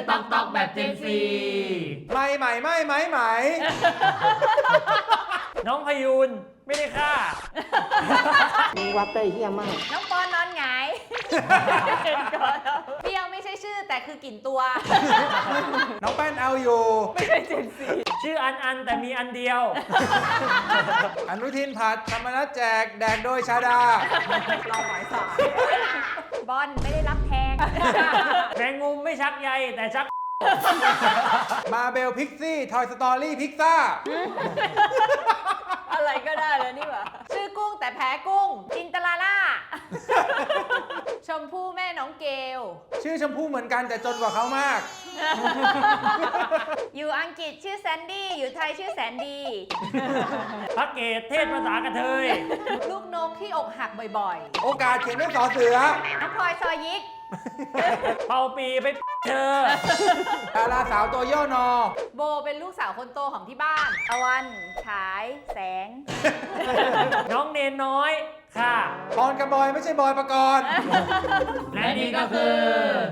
ตอกตอกแบบเจนซีไม่ใหม่ไม่ไหมไหมน้องพยูนไม่ได้ฆ่ามึงวัดได้เฮี้ยมากน้องปอนนอนหงายเปรี้ยวไม่ใช่ชื่อแต่คือกลิ่นตัวน้องแป้นเอาอยู่ชื่ออันแต่มีอันเดียวอนุทินผัดธรรมนัสแจกแดกโดยชาดาเราหมายสายบอลไม่ได้รับแทงแมงมุมไม่ชักใยแต่ชักมาเบลพิกซี่ทอยสตอรี่พิกซ่าอะไรก็ได้เลยนี่หว่าชื่อกุ้งแต่แพ้กุ้งจินตลาล่า ชมพู่แม่น้องเกลชื่อชมพู่เหมือนกันแต่จนกว่าเขามากอยู่อังกฤษชื่อแซนดี้อยู่ไทยชื่อแสนดีพักเกตเทศภาษากระเทยลูกนกที่อกหักบ่อยโอกาสเขียนด้วยสอเสือๆน้องพลอยซอยยิกเป่าปีไปเธอดาราสาวตัวย่อนอโบเป็นลูกสาวคนโตของที่บ้านตะวันฉายแสงน้องเนนน้อยค่ะปอนกับบอยไม่ใช่บอยประกรณ์และนี่ก็คือ